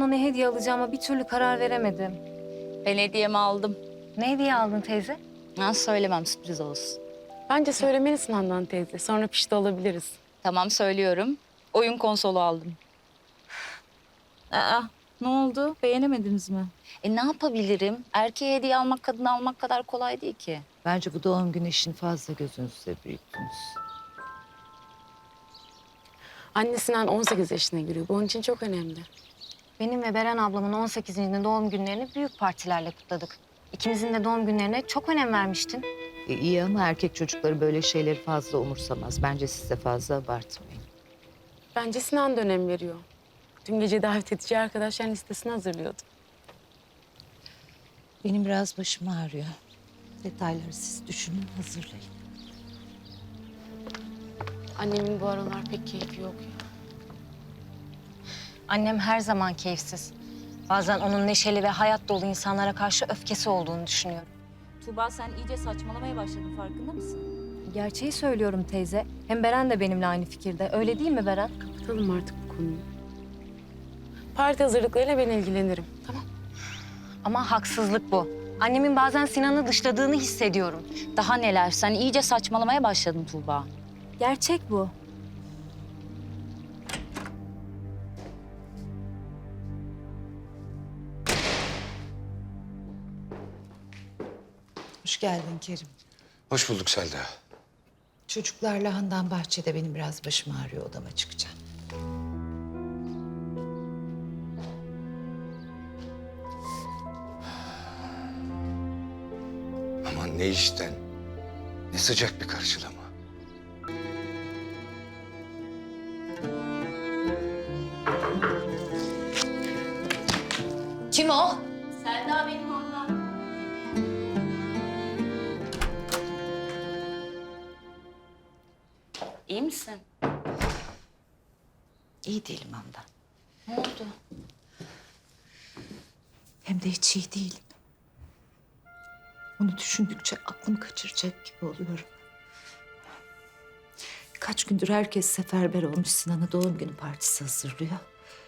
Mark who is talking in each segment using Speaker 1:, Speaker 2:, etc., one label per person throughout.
Speaker 1: ona ne hediye alacağıma bir türlü karar veremedim.
Speaker 2: Ben hediyemi aldım.
Speaker 1: Ne hediye aldın teyze?
Speaker 2: Ha, söylemem, sürpriz olsun.
Speaker 3: Bence söylemelisin Handan teyze. Sonra pişti olabiliriz.
Speaker 2: Tamam, söylüyorum. Oyun konsolu aldım. Aa, ne oldu? Beğenemediniz mi? Ne yapabilirim? Erkeğe hediye almak, kadına almak kadar kolay değil ki.
Speaker 4: Bence bu doğum günü işini fazla gözünüzde büyüttünüz.
Speaker 3: Anne Sinan 18 yaşına giriyor. Bu onun için çok önemli.
Speaker 1: Benim ve Beren ablamın 18. doğum günlerini büyük partilerle kutladık. İkimizin de doğum günlerine çok önem vermiştin.
Speaker 4: İyi ama erkek çocukları böyle şeyleri fazla umursamaz. Bence siz de fazla abartmayın.
Speaker 3: Bence Sinan da önem veriyor. Dün gece davet edeceği arkadaşların listesini hazırlıyordu.
Speaker 4: Benim biraz başım ağrıyor. Detayları siz düşünün, hazırlayın.
Speaker 3: Annemin bu aralar pek keyfi yok ya.
Speaker 1: Annem her zaman keyifsiz. Bazen onun neşeli ve hayat dolu insanlara karşı öfkesi olduğunu düşünüyorum.
Speaker 2: Tuğba, sen iyice saçmalamaya başladın, farkında mısın?
Speaker 1: Gerçeği söylüyorum teyze. Hem Beren de benimle aynı fikirde. Öyle değil mi Beren?
Speaker 3: Kapatalım artık bu konuyu. Parti hazırlıklarıyla ben ilgilenirim. Tamam.
Speaker 1: Ama haksızlık bu. Annemin bazen Sinan'ı dışladığını hissediyorum.
Speaker 2: Daha neler? Sen iyice saçmalamaya başladın Tuğba.
Speaker 1: Gerçek bu.
Speaker 4: Hoş geldin Kerim.
Speaker 5: Hoş bulduk Selda.
Speaker 4: Çocuklarla Handan bahçede, benim biraz başım ağrıyor, odama çıkacağım.
Speaker 5: Aman ne işten, ne sıcak bir karşılama.
Speaker 2: Kim o? Selda benim ablam. İyi misin?
Speaker 4: İyi değilim Handan.
Speaker 2: Ne oldu?
Speaker 4: Hem de hiç iyi değilim. Onu düşündükçe aklımı kaçıracak gibi oluyorum. Kaç gündür herkes seferber olmuş, Sinan'a doğum günü partisi hazırlıyor.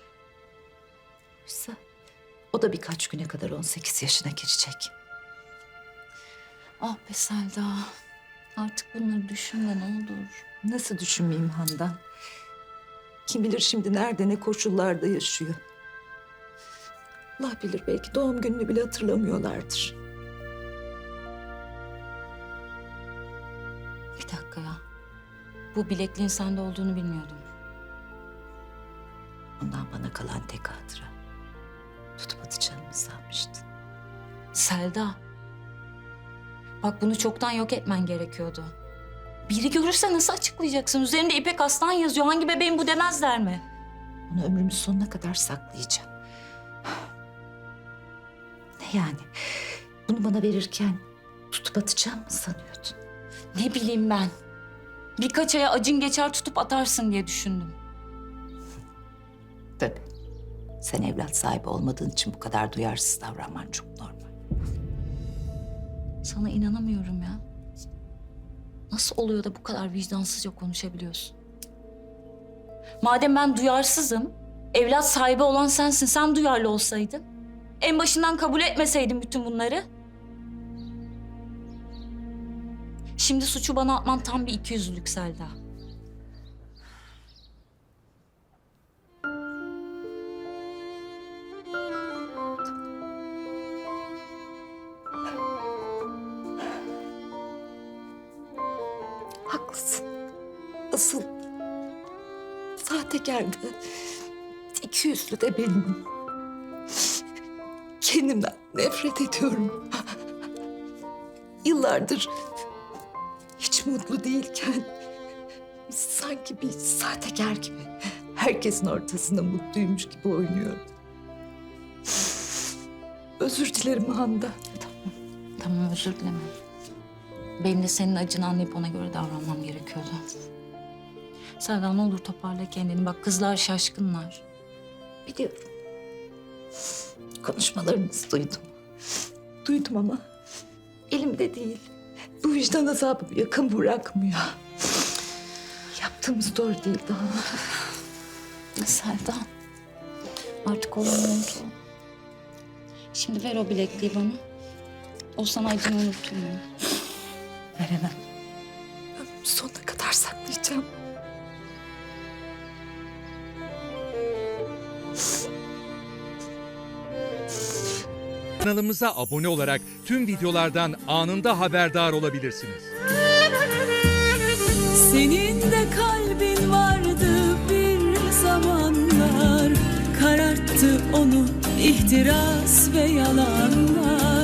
Speaker 4: Oysa o da birkaç güne kadar 18 yaşına girecek.
Speaker 2: Ah be Selda. Artık bunları düşünme ne olur.
Speaker 4: Nasıl düşünmeyeyim Handan? Kim bilir şimdi nerede, ne koşullarda yaşıyor. Allah bilir, belki doğum gününü bile hatırlamıyorlardır.
Speaker 2: Bir dakika ya. Bu bilekliğin sende olduğunu bilmiyordum.
Speaker 4: Ondan bana kalan tek hatıra. Tutup atacağımı sanmıştın.
Speaker 2: Selda. Bak bunu çoktan yok etmen gerekiyordu. Biri görürse nasıl açıklayacaksın? Üzerinde İpek Aslan yazıyor. Hangi bebeğin bu demezler mi?
Speaker 4: Onu ömrümün sonuna kadar saklayacağım. Ne yani? Bunu bana verirken tutup atacağım mı sanıyordun?
Speaker 2: Ne bileyim ben. Birkaç aya acın geçer tutup atarsın diye düşündüm.
Speaker 4: Tabii. Sen evlat sahibi olmadığın için bu kadar duyarsız davranman çok normal.
Speaker 2: Sana inanamıyorum ya. Nasıl oluyor da bu kadar vicdansızca konuşabiliyorsun? Madem ben duyarsızım, evlat sahibi olan sensin. Sen duyarlı olsaydın. En başından kabul etmeseydin bütün bunları. Şimdi suçu bana atman tam bir ikiyüzlülük Selda.
Speaker 4: Haklısın. Asıl sahtekar da, ikiyüzlü de benim. Kendimden nefret ediyorum. Yıllardır hiç mutlu değilken sanki bir sahtekar gibi herkesin ortasında mutluymuş gibi oynuyorum. Özür dilerim Handan.
Speaker 2: Tamam, özür dileme. Benim de senin acını anlayıp ona göre davranmam gerekiyordu. Selda ne olur toparla kendini. Bak kızlar şaşkınlar.
Speaker 4: Biliyorum. Konuşmalarınızı duydum. Duydum ama elimde değil. Bu vicdan azabı yakın bırakmıyor. Yaptığımız doğru değil daha.
Speaker 2: Selda. Artık olamıyordu. Şimdi ver o bilekliği bana. O sana acını unutturmuyor.
Speaker 4: Veremem. Ben sonuna kadar saklayacağım.
Speaker 6: Kanalımıza abone olarak tüm videolardan anında haberdar olabilirsiniz.
Speaker 7: Senin de kalbin vardı bir zamanlar, kararttı onu ihtiras ve yalanlar.